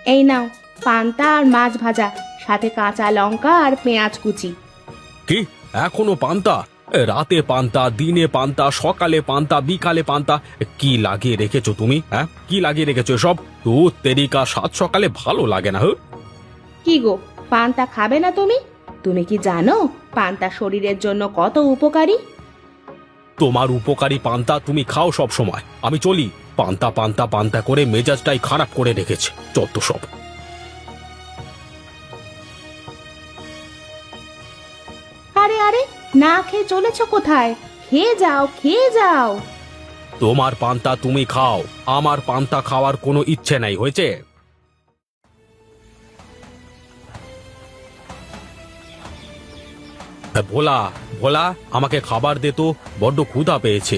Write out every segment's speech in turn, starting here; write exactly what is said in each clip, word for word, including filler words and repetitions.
এই নাও পান্তা আর মাছ ভাজা, সাথে কাঁচা লঙ্কা আর পেঁয়াজ কুচি। কি এখনো পান্তা? এ, রাতে পান্তা, দিনে পান্তা, সকালে পান্তা, বিকালে পান্তা, কি লাগিয়ে রেখেছো তুমি? হ্যাঁ, কি লাগিয়ে রেখেছো সব? তো তেরিকা সাত সকালে ভালো লাগে না। হ্যাঁ, কি গো, পান্তা খাবে না তুমি? তুমি কি জানো পান্তা শরীরের জন্য কত উপকারী? তোমার উপকারী পান্তা তুমি খাও সব সময়। আমি চলি। পান্তা পান্তা পান্তা করে মেজাজটাই খারাপ করে রেখেছে যত সব। আরে আরে, না খেয়ে চলেছো কোথায়? খেয়ে যাও, খেয়ে যাও। তোমার পান্তা তুমি খাও, আমার পান্তা খাওয়ার কোনো ইচ্ছে নাই, হয়েছে? ভোলা, ভোলা, আমাকে খাবার দে তো, বড্ড ক্ষুধা পেয়েছে।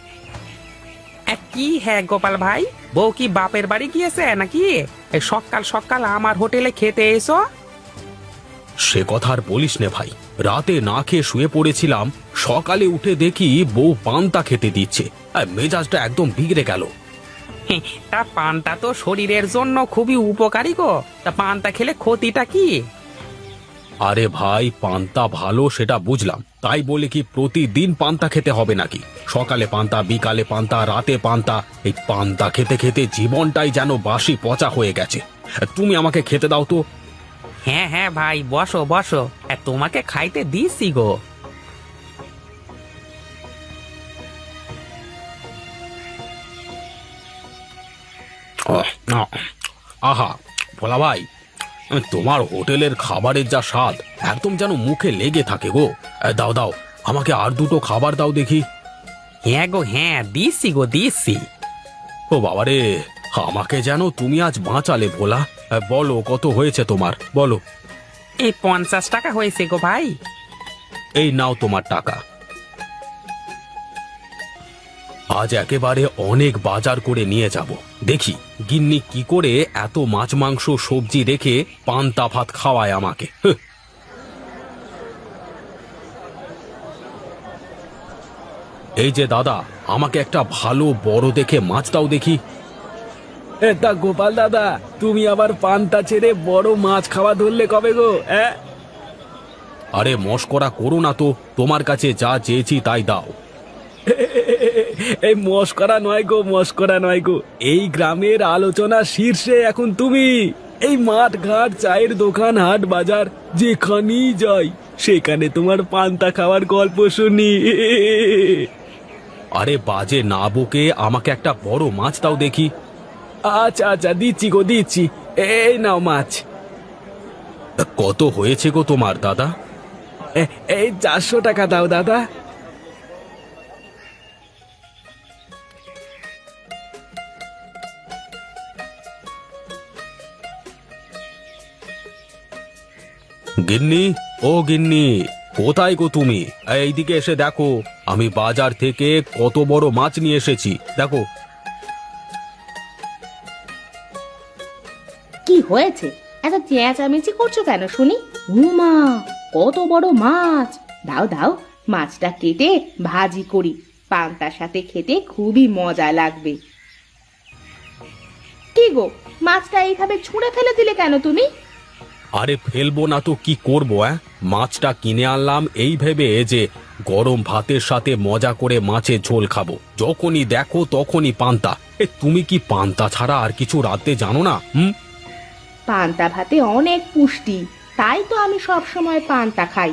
কি হ্যাঁ গোপাল ভাই, বউ কি বাপের বাড়ি গিয়েছে নাকি? এই সকাল সকাল আমার হোটেলে খেতে এসো। সে কথা আর বলিস নে ভাই, রাতে না খেয়ে শুয়ে পড়েছিলাম, সকালে উঠে দেখি বউ পান্তা খেতে দিচ্ছে, আর মেজাজটা একদম বিগড়ে গেল। তা পান্তা তো শরীরের জন্য খুবই উপকারী গো, তা পান্তা খেলে ক্ষতিটা কি? আরে ভাই, পান্তা ভালো সেটা বুঝলাম, তাই বলে কি প্রতিদিন পান্তা খেতে হবে নাকি? সকালে পান্তা, বিকালে পান্তা, রাতে পান্তা, এই পান্তা খেতে খেতে জীবনটাই যেন বাসি পচা হয়ে গেছে। তুমি আমাকে খেতে দাও তো। হ্যাঁ হ্যাঁ ভাই, বসো বসো, আর তোমাকে খাইতে দিচ্ছি গো। আহা ভোলা ভাই, তোমার হোটেলের খাবারের যা স্বাদ, একদম যেন মুখে লেগে থাকে গো। দাও দাও, আমাকে আর দুটো খাবার দাও দেখি। হ্যাঁ গো হ্যাঁ, দিচ্ছি গো দিচ্ছি। ও বাবারে, আমাকে যেন তুমি আজ বাঁচালে ভোলা। বলো কত হয়েছে তোমার, বলো। এই পঞ্চাশ টাকা হয়েছে গো ভাই। এই নাও তোমার টাকা। আজ একেবারে অনেক বাজার করে নিয়ে যাব, দেখি গিন্নি কি করে এত মাছ মাংস সবজি রেখে পান্তা ভাত খাওয়ায় আমাকে। হ্যাঁ। এই যে দাদা, আমাকে একটা ভালো বড় দেখে মাছ দাও দেখি। তা গোপাল দাদা, তুমি আবার পান্তা ছেড়ে বড় মাছ খাওয়া ধরলে কবে গো? হ্যাঁ, আরে মস্করা করো না তো, তোমার কাছে যা চেয়েছি তাই দাও। এই মস্করা নয় গো, মস্করা নয় গো, এই গ্রামের আলোচনা শীর্ষে এখন তুমি। এই মাঠ ঘাট, চায়ের দোকান, হাট বাজার যেখানেই যাই, সেখানে তোমার পান্তা খাওয়ার গল্প শুনি। আরে বাজে না বকে আমাকে একটা বড় মাছ দাও দেখি। আচ্ছা আচ্ছা, দিচ্ছি গো দিচ্ছি, এই নাও মাছ। কত হয়েছে গো তোমার দাদা? এ- এই চারশো টাকা দাও দাদা। গিন্নি, ও গিন্নি, কোথায় গো তুমি? এইদিকে এসে দেখো, আমি বাজার থেকে কত বড় মাছ নিয়ে এসেছি, দেখো। কি হয়েছে? এত চেঁচামেচি করছো কেন শুনি? উমা, কত বড় মাছ! দাও দাও, মাছটা কেটে ভাজি করি, পান্তার সাথে খেতে খুবই মজা লাগবে। কি গো, মাছটা এইভাবে ছুঁড়ে ফেলে দিলে কেন তুমি? আরে ফেলবো না তো কি করবো? হ্যাঁ, মাছটা কিনে আনলাম এই ভেবে যে গরম ভাতের সাথে মজা করে মাছের ঝোল খাবো, যখনই দেখো তখনই পান্তা। এ তুমি কি পান্তা ছাড়া আর কিছু রাতে জানো না? হুম, পান্তা ভাতে অনেক পুষ্টি, তাই তো আমি সব সময় পান্তা খাই।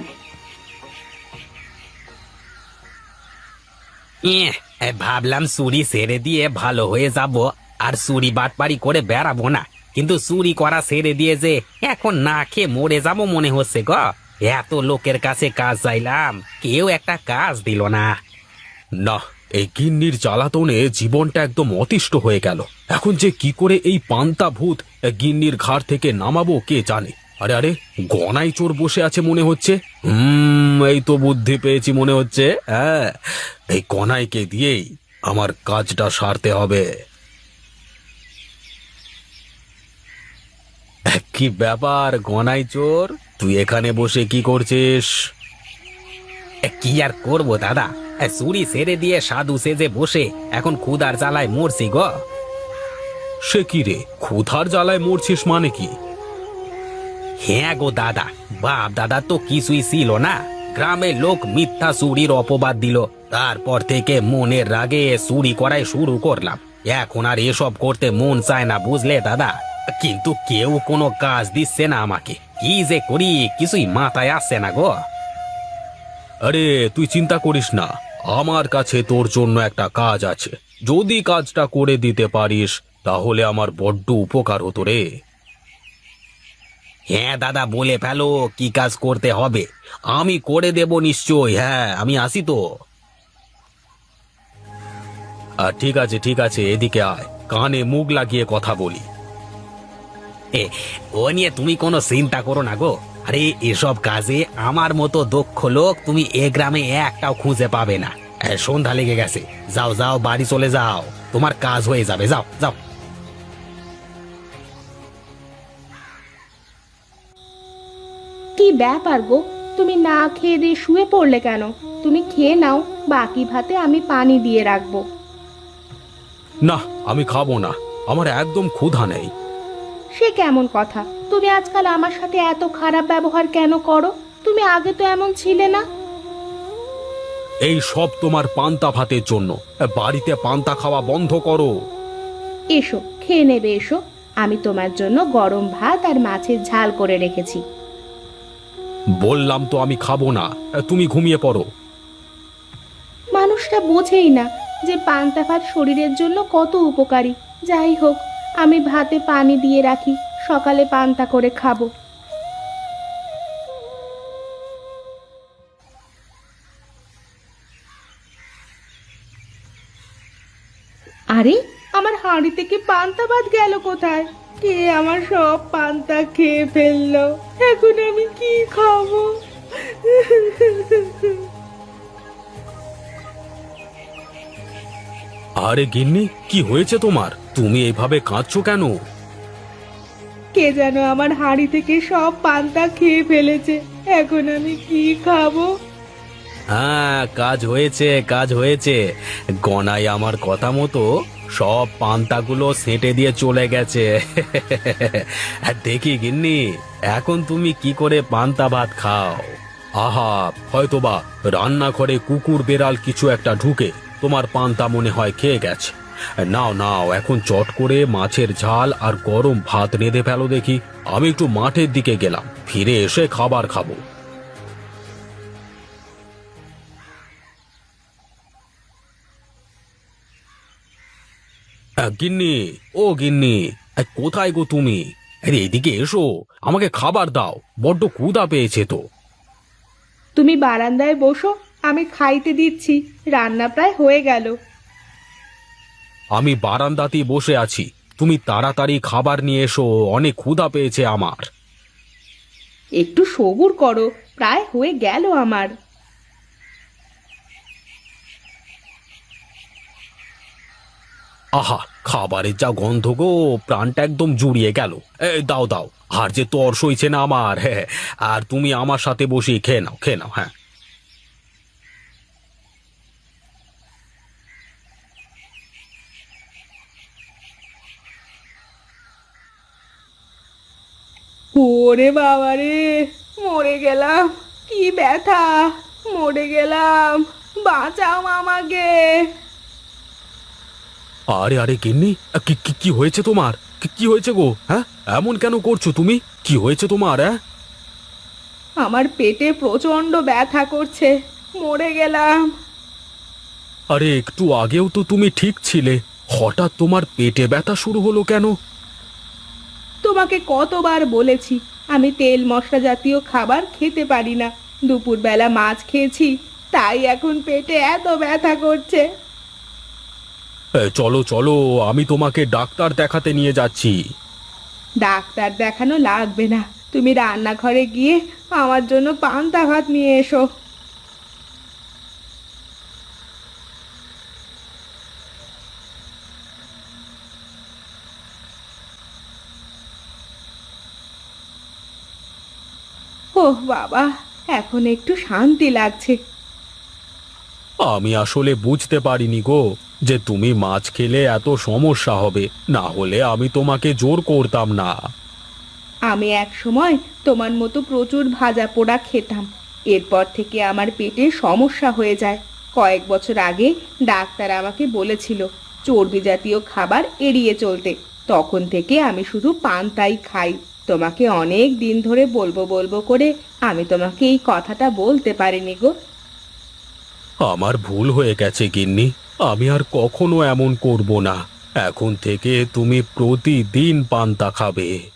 ইয়ে, এ, ভাবলাম চুরি ছেড়ে দিয়ে ভালো হয়ে যাব, আর চুরি বাটপারি করে বেড়াবো না, কিন্তু চুরি করা ছেড়ে দিয়ে যে এখন না খেয়ে মরে যাব মনে হচ্ছে গো। এত লোকের কাছে কাজ চাইলাম, কেউ একটা কাজ দিল না। না, এই গিন্নির জ্বালাতনে জীবনটা একদম অতিষ্ঠ হয়ে গেল। এখন যে কি করে এই পান্তা ভূত এ, গিন্নির ঘাড় থেকে নামাবো কে জানে। আরে আরে, গনাই চোর বসে আছে মনে হচ্ছে। হুম, এই তো বুদ্ধি পেয়েছি মনে হচ্ছে। হ্যাঁ, এই গনাইকে দিয়েই আমার কাজটা সারতে হবে। কি ব্যাপার গনাই চোর, তুই এখানে বসে কি করছিস? এ, কি আর করবো দাদা, এ, চুরি ছেড়ে দিয়ে সাধু সেজে বসে এখন ক্ষুধার জ্বালায় মরছি গো। সে কি রে, ক্ষুধার জ্বালায় মরছিস মানে কি? হ্যাঁ গো দাদা, বাপ দাদা তো কিছুই ছিল না। গ্রামের লোক মিথ্যা চুরির অপবাদ দিল, তারপর থেকে মনের রাগে চুরি করাই শুরু করলাম। এখন আর এসব করতে মন চায় না বুঝলে দাদা, কিন্তু কেউ কোনো কাজ দিচ্ছে না আমাকে। কি যে করি কিছুই মাথায় আসছে না গো। আরে তুই চিন্তা করিস না, আমার কাছে তোর জন্য একটা কাজ আছে। যদি কাজটা করে দিতে পারিস তাহলে আমার বড্ড উপকার হতো রে। হ্যাঁ দাদা, বলে ফেলো কি কাজ করতে হবে, আমি করে দেব নিশ্চয়। হ্যাঁ, আমি আসি তো। আর ঠিক আছে ঠিক আছে, এদিকে আয়, কানে মুখ লাগিয়ে কথা বলি। এ, ও নিয়ে তুমি কোনো চিন্তা করো না গো। আরে এসব কাজে আমার মতো দক্ষ লোক তুমি এ গ্রামে একটাও খুঁজে পাবে না। এ, সন্ধ্যা লেগে গেছে, যাও যাও বাড়ি চলে যাও, তোমার কাজ হয়ে যাবে। যাও যাও। কি ব্যাপার গো, তুমি না খেয়ে দিয়ে শুয়ে পড়লে কেন? তুমি খেয়ে নাও, বাকি ভাতে আমি পানি দিয়ে রাখবো। না, আমি খাবো না, আমার একদম ক্ষুধা নেই। সে কেমন কথা? তুমি আজকাল আমার সাথে এত খারাপ ব্যবহার কেন করো? তুমি আগে তো এমন ছিলে না। এই সব তোমার পান্তা ভাতের জন্য। বাড়িতে পান্তা খাওয়া বন্ধ করো। এসো খেয়ে নেবে, এসো। আমি তোমার জন্য গরম ভাত আর মাছের ঝাল করে রেখেছি। বললাম তো আমি খাবো না, তুমি ঘুমিয়ে পড়ো। মানুষটা বোঝেই না যে পান্তা ভাত শরীরের জন্য কত উপকারী। যাই হোক, আমি ভাতে পানি দিয়ে রাখি, সকালে পান্তা করে খাবো। আরে, আমার হাঁড়ি থেকে পান্তা ভাত গেল কোথায়? কে আমার সব পান্তা খেয়ে ফেললো? এখন আমি কি খাবো? আরে গিন্নি, কি হয়েছে তোমার? তুমি এইভাবে কাঁদছো কেন? কে যেন আমার হাঁড়ি থেকে সব পান্তা খেয়ে ফেলেছে, এখন আমি কি খাবো? হ্যাঁ, কাজ হয়েছে কাজ হয়েছে। গনাই আমার কথা মতো সব পান্তাগুলো সেঁটে দিয়ে চলে গেছে। আর দেখি গিন্নি, এখন তুমি কি করে পান্তা ভাত খাও? আহা, হয়তোবা রান্নাঘরে কুকুর বেড়াল কিছু একটা ঢুকে তোমার পান্তা মনে হয় খেয়ে গেছে। নাও নাও, এখন চট করে মাছের ঝাল আর গরম ভাত রেঁধে ফেলো দেখি। আমি একটু মাঠের দিকে গেলাম, ফিরে এসে খাবার খাবো। আহ, গিন্নি, ও গিন্নি, আহ, কোথায় গো তুমি? আরে এদিকে এসো, আমাকে খাবার দাও, বড্ড ক্ষুধা পেয়েছে তো। তুমি বারান্দায় বসো, আমি খাইতে দিচ্ছি, রান্না প্রায় হয়ে গেল। আমি বারান্দাতেই বসে আছি, তুমি তাড়াতাড়ি খাবার নিয়ে এসো, অনেক ক্ষুধা পেয়েছে আমার। একটু সবুর করো, প্রায় হয়ে গেল আমার। আহা, খাবারের যা গন্ধ গো, প্রাণটা একদম জুড়িয়ে গেল। এই দাও দাও, আর যে তর সইছে না আমার। হ্যাঁ, আর তুমি আমার সাথে বসে খেয়ে নাও খেয়ে নাও। হ্যাঁ, ওরে বাবা রে, মরে গেলাম, কি ব্যথা! মরে গেলাম, বাঁচাও আমাকে। আরে আরে গিন্নি, কি কি- কি হয়েছে তোমার? কি কি হয়েছে গো? হ্যাঁ, এমন কেন করছো তুমি? কি হয়েছে তোমার? হ্যাঁ, আমার পেটে প্রচন্ড ব্যথা করছে, মরে গেলাম। আরে একটু আগেও তো তুমি ঠিক ছিলে, হঠাৎ তোমার পেটে ব্যথা শুরু হলো কেন? তোমাকে কতবার বলেছি আমি তেল মশলা জাতীয় খাবার খেতে পারি না। দুপুরবেলা মাছ খেয়েছি, তাই এখন পেটে এত ব্যথা করছে। এ, চলো চলো, আমি তোমাকে ডাক্তার দেখাতে নিয়ে যাচ্ছি। ডাক্তার দেখানো লাগবে না, তুমি রান্নাঘরে গিয়ে আমার জন্য পান্তা ভাত নিয়ে এসো। ওহ বাবা, এখন একটু শান্তি লাগছে। আমি আসলে বুঝতে পারিনি গো যে তুমি মাছ খেলে এত সমস্যা হবে, না হলে আমি তোমাকে জোর করতাম না। আমি এক সময় তোমার মতো প্রচুর ভাজা পোড়া খেতাম। এরপর থেকে আমার পেটে সমস্যা হয়ে যায়। কয়েক বছর আগে ডাক্তার আমাকে বলেছিল চর্বি জাতীয় খাবার এড়িয়ে চলতে। তখন থেকে আমি শুধু পান্তাই খাই। তোমাকে অনেক দিন ধরে বলবো বলবো করে আমি তোমাকে এই কথাটা বলতে পারিনি গো। আমার ভুল হয়ে গেছে গিন্নি, আমি আর কখনো এমন করব না। এখন থেকে তুমি প্রতিদিন পান্তা খাবে।